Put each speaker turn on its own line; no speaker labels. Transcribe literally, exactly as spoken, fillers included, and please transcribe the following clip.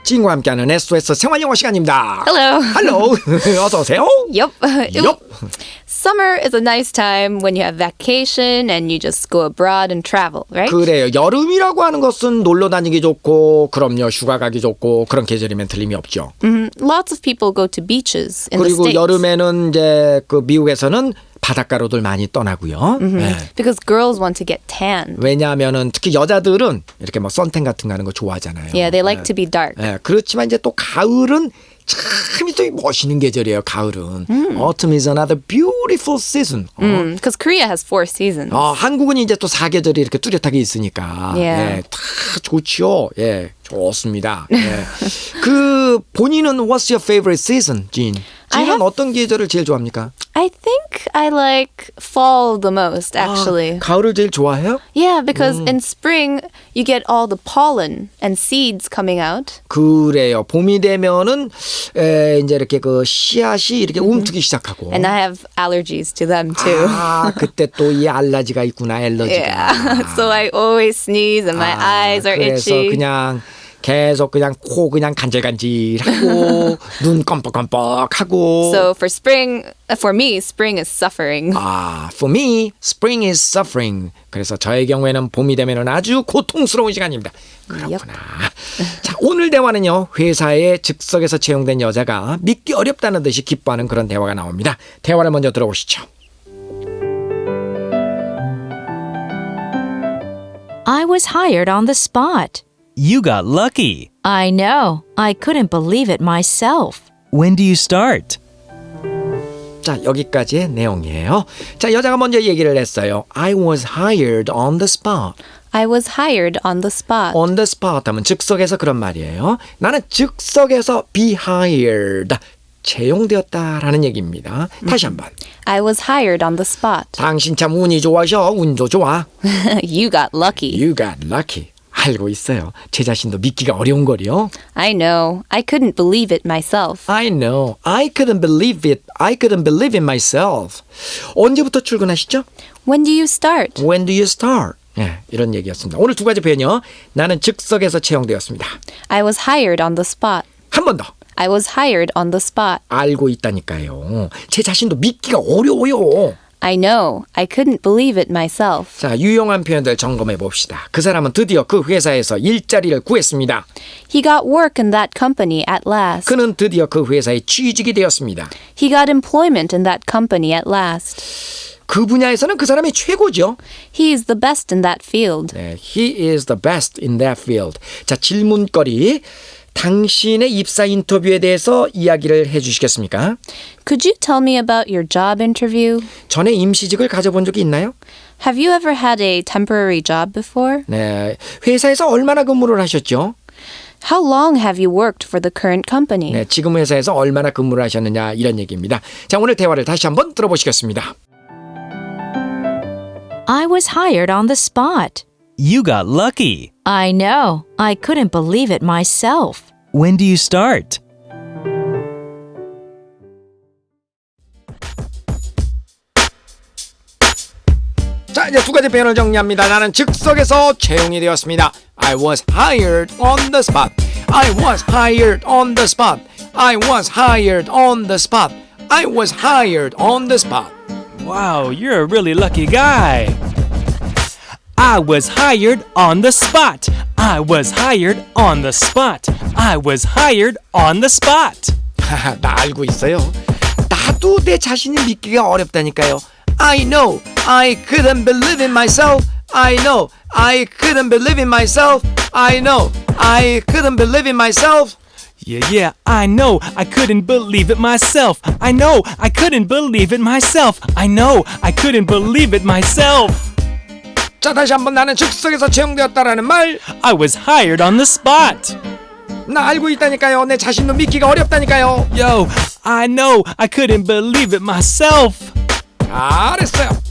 지인과 함께하는 에스오에스 생활영어 시간입니다.
Hello.
Hello. 어서 오세요.
Yep. It-
Yup.
Summer is a nice time when you have vacation and you just go abroad and travel, right?
그래요. 여름이라고 하는 것은 놀러 다니기 좋고 그럼요. 휴가 가기 좋고 그런 계절이면 틀림이 없죠.
Mhm. Lots of people go to beaches in the
그리고
States.
여름에는 이제 그 미국에서는 바닷가로들 많이 떠나고요. 네.
Because girls want to get tan.
왜냐하면은 특히 여자들은 이렇게 뭐 선탠 같은 거 하는 거 좋아하잖아요.
Yeah, they like
네.
to be dark.
네, 그렇지만 이제 또 가을은 참 또 멋있는 계절이에요. 가을은. Autumn is another beautiful season. 어.
Because Korea has four seasons.
어, 한국은 이제 또 사계절이 이렇게 뚜렷하게 있으니까
Yeah.
예, 다 좋죠. 예, 좋습니다. 예. 그 본인은 What's your favorite season, 진?
I
진은
have-
어떤 계절을 제일 좋아합니까?
I think I like fall the most, actually.
아, 가을을 제일 좋아해요?
Yeah, because in spring you get all the pollen and seeds coming out.
그래요. 봄이 되면은 에, 이제 이렇게 그 씨앗이 이렇게 움트기 시작하고.
And I have allergies to them too.
아, 그때 또 이 알러지가 있구나, 알러지가.
Yeah. So I always sneeze and my
아,
eyes are
그래서
itchy.
그냥 계속 그냥 코 그냥 간질간질하고 눈 껌뻑껌뻑하고.
So for spring, for me, spring is suffering.
아, for me, spring is suffering. 그래서 저의 경우에는 봄이 되면은 아주 고통스러운 시간입니다. 그렇구나. 자, 오늘 대화는요. 회사에 즉석에서 채용된 여자가 믿기 어렵다는 듯이 기뻐하는 그런 대화가 나옵니다. 대화를 먼저 들어보시죠.
I was hired on the spot.
You got lucky.
I know. I couldn't believe it myself.
When do you start?
자, 여기까지의 내용이에요. 자, 여자가 먼저 얘기를 했어요. I was hired on the spot.
I was hired on the spot.
On the spot 하면 즉석에서 그런 말이에요. 나는 즉석에서 be hired. 채용되었다라는 얘기입니다. 다시 한번.
I was hired on the spot.
당신 참 운이 좋아셔. 운도 좋아.
You got lucky.
You got lucky. 알고 있어요. 제 자신도 믿기가 어려운 거리요.
I know. I couldn't believe it myself.
I know. I couldn't believe it. I couldn't believe it myself. 언제부터 출근하시죠?
When do you start?
When do you start? 예, 이런 얘기였습니다. 오늘 두 가지 표현이요. 나는 즉석에서 채용되었습니다.
I was hired on the spot.
한 번 더.
I was hired on the spot.
알고 있다니까요. 제 자신도 믿기가 어려워요.
I know. I couldn't believe it myself.
자, 유용한 표현들 점검해 봅시다. 그 사람은 드디어 그 회사에서 일자리를 구했습니다.
He got work in that company at last.
그는 드디어 그 회사에 취직이 되었습니다.
He got employment in that company at last.
그 분야에서는 그 사람이 최고죠.
He is the best in that field.
네, he is the best in that field. 자, 질문거리. 당신의 입사 인터뷰에 대해서 이야기를 해 주시겠습니까?
Could you tell me about your job interview?
전에 임시직을 가져본 적이 있나요?
Have you ever had a temporary job before?
네, 회사에서 얼마나 근무를 하셨죠?
How long have you worked for the current company?
네, 지금 회사에서 얼마나 근무를 하셨느냐 이런 얘기입니다. 자, 오늘 대화를 다시 한번 들어보시겠습니다.
I was hired on the spot.
You got lucky.
I know. I couldn't believe it myself.
When do you start?
자, 이제 두 가지 표현을 정리합니다. 나는 즉석에서 채용이 되었습니다. I was hired on the spot. I was hired on the spot. I was hired on the spot. I was hired on the spot.
Wow, you're a really lucky guy. I was hired on the spot. I was hired on the spot. I was hired on the spot.
하하, 나 알고 있어요. 나도 내 자신이 믿기가 어렵다니까요. I know. I couldn't believe in myself. I know. I couldn't believe in myself. I know. I couldn't believe in myself.
Yeah, yeah, I know. I couldn't believe it myself. I know. I couldn't believe it myself. I know. I couldn't believe it myself.
자, 다시 한번 나는 즉석에서 채용되었다라는 말.
I was hired on the spot.
나 알고 있다니까요. 내 자신도 믿기가 어렵다니까요.
Yo, I know. I couldn't believe it myself.
잘했어요.